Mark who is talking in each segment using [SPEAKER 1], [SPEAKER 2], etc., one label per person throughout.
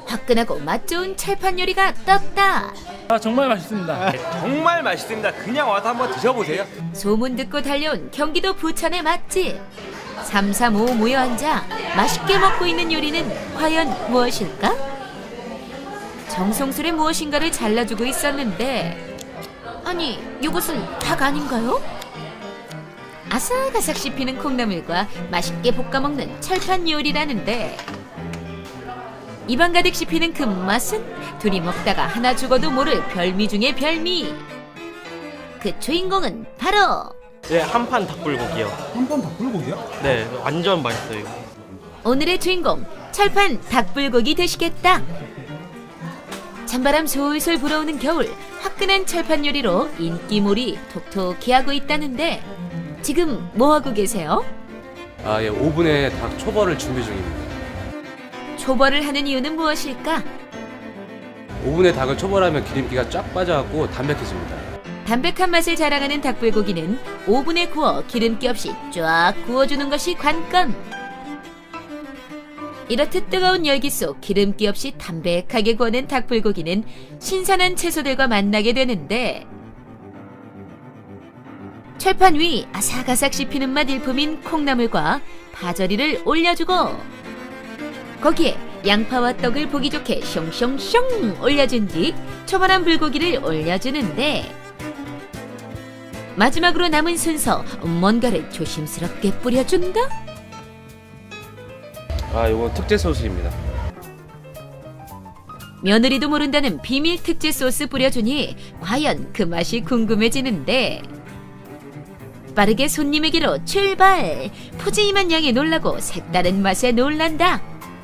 [SPEAKER 1] 화끈하고 맛 좋은 철판 요리가 떴다.
[SPEAKER 2] 아, 정말 맛있습니다.
[SPEAKER 3] 정말 맛있습니다. 그냥 와서 한번 드셔보세요.
[SPEAKER 1] 소문 듣고 달려온 경기도 부천의 맛집. 335 모여 앉아 맛있게 먹고 있는 요리는 과연 무엇일까? 정성스레 무엇인가를 잘라주고 있었는데, 아니, 이것은 닭 아닌가요? 아삭아삭 씹히는 콩나물과 맛있게 볶아먹는 철판 요리라는데, 입안 가득 씹히는 그 맛은 둘이 먹다가 하나 죽어도 모를 별미 중의 별미. 그 주인공은 바로
[SPEAKER 4] 네, 한판 닭불고기요.
[SPEAKER 5] 한판 닭불고기야?
[SPEAKER 4] 네, 완전 맛있어요.
[SPEAKER 1] 오늘의 주인공 철판 닭불고기 되시겠다. 찬바람 솔솔 불어오는 겨울, 화끈한 철판 요리로 인기몰이 톡톡히 하고 있다는데, 지금 뭐하고 계세요?
[SPEAKER 6] 예, 오븐에 닭 초벌을 준비 중입니다.
[SPEAKER 1] 초벌을 하는 이유는 무엇일까?
[SPEAKER 6] 오븐에 닭을 초벌하면 기름기가 쫙 빠져갖고 담백해집니다.
[SPEAKER 1] 담백한 맛을 자랑하는 닭불고기는 오븐에 구워 기름기 없이 쫙 구워주는 것이 관건. 이렇듯 뜨거운 열기 속 기름기 없이 담백하게 구워낸 닭불고기는 신선한 채소들과 만나게 되는데, 철판 위 아삭아삭 씹히는 맛 일품인 콩나물과 파절이를 올려주고, 거기에 양파와 떡을 보기 좋게 숑숑숑 올려준 뒤 초벌한 불고기를 올려주는데, 마지막으로 남은 순서 뭔가를 조심스럽게 뿌려준다?
[SPEAKER 6] 이건 특제 소스입니다.
[SPEAKER 1] 며느리도 모른다는 비밀 특제 소스 뿌려주니 과연 그 맛이 궁금해지는데, 빠르게 손님에게로 출발! 푸짐한 양에 놀라고 색다른 맛에 놀란다.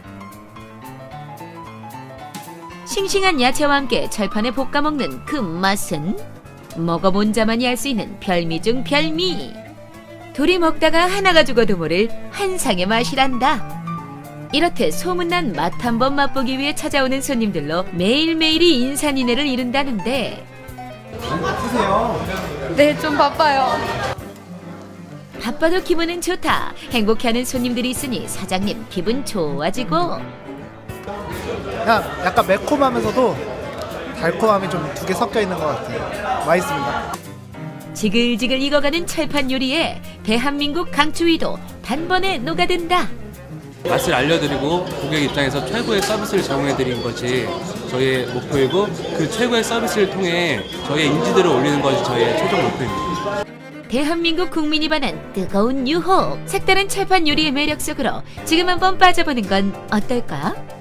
[SPEAKER 1] 싱싱한 야채와 함께 철판에 볶아먹는 그 맛은 먹어본 자만이 알 수 있는 별미 중 별미. 둘이 먹다가 하나가 죽어도 모를 환상의 맛이란다. 이렇듯 소문난 맛 한번 맛보기 위해 찾아오는 손님들로 매일매일이 인산인해를 이룬다는데,
[SPEAKER 5] 바쁘세요.
[SPEAKER 7] 네, 좀 바빠요.
[SPEAKER 1] 바빠도 기분은 좋다. 행복해하는 손님들이 있으니 사장님 기분 좋아지고,
[SPEAKER 5] 약간 매콤하면서도 달콤함이 좀 두 개 섞여 있는 것 같아요. 맛있습니다.
[SPEAKER 1] 지글지글 익어가는 철판 요리에 대한민국 강추위도 단번에 녹아든다.
[SPEAKER 6] 맛을 알려드리고 고객 입장에서 최고의 서비스를 제공해드리는 것이 저희의 목표이고, 그 최고의 서비스를 통해 저희의 인지도를 올리는 것이 저희의 최종 목표입니다.
[SPEAKER 1] 대한민국 국민이 반한 뜨거운 유혹, 색다른 철판 요리의 매력 속으로 지금 한번 빠져보는 건 어떨까?